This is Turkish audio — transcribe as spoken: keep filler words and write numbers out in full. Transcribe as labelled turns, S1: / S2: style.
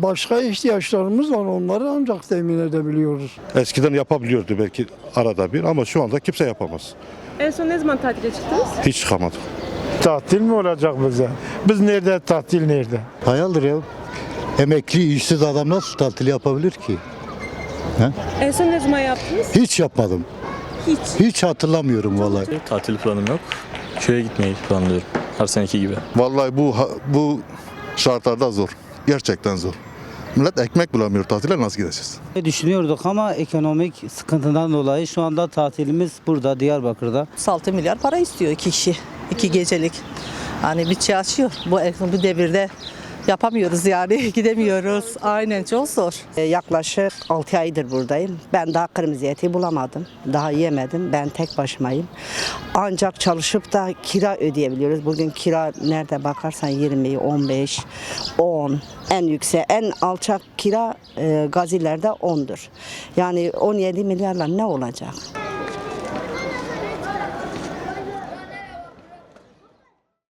S1: başka ihtiyaçlarımız var, onları ancak temin edebiliyoruz.
S2: Eskiden yapabiliyordu belki arada bir ama şu anda kimse yapamaz.
S3: En son ne zaman tatile çıktınız?
S2: Hiç çıkamadık.
S4: Tatil mi olacak bize? Biz nerede, tatil nerede?
S5: Hayaldir ya. Emekli, işsiz adam nasıl tatil yapabilir ki?
S3: En son ne zaman yaptınız?
S5: Hiç yapmadım.
S3: Hiç.
S5: Hiç hatırlamıyorum vallahi.
S6: Tatil planım yok. Köye gitmeyi planlıyorum. Her seneki gibi.
S7: Vallahi bu bu şartlarda zor. Gerçekten zor. Millet ekmek bulamıyor. Tatile nasıl gideceğiz?
S8: Düşünüyorduk ama ekonomik sıkıntıdan dolayı şu anda tatilimiz burada, Diyarbakır'da.
S9: altı milyar para istiyor iki kişi, iki gecelik. Hani bütçe açıyor. Bu, bu devirde yapamıyoruz yani, gidemiyoruz. Aynen, çok zor.
S10: Yaklaşık altı aydır buradayım. Ben daha kırmızı eti bulamadım. Daha yemedim. Ben tek başımayım. Ancak çalışıp da kira ödeyebiliyoruz. Bugün kira nerede bakarsan yirmi, on beş, on. En yüksek, en alçak kira e, Gazilerde ondur. Yani on yedi milyarla ne olacak?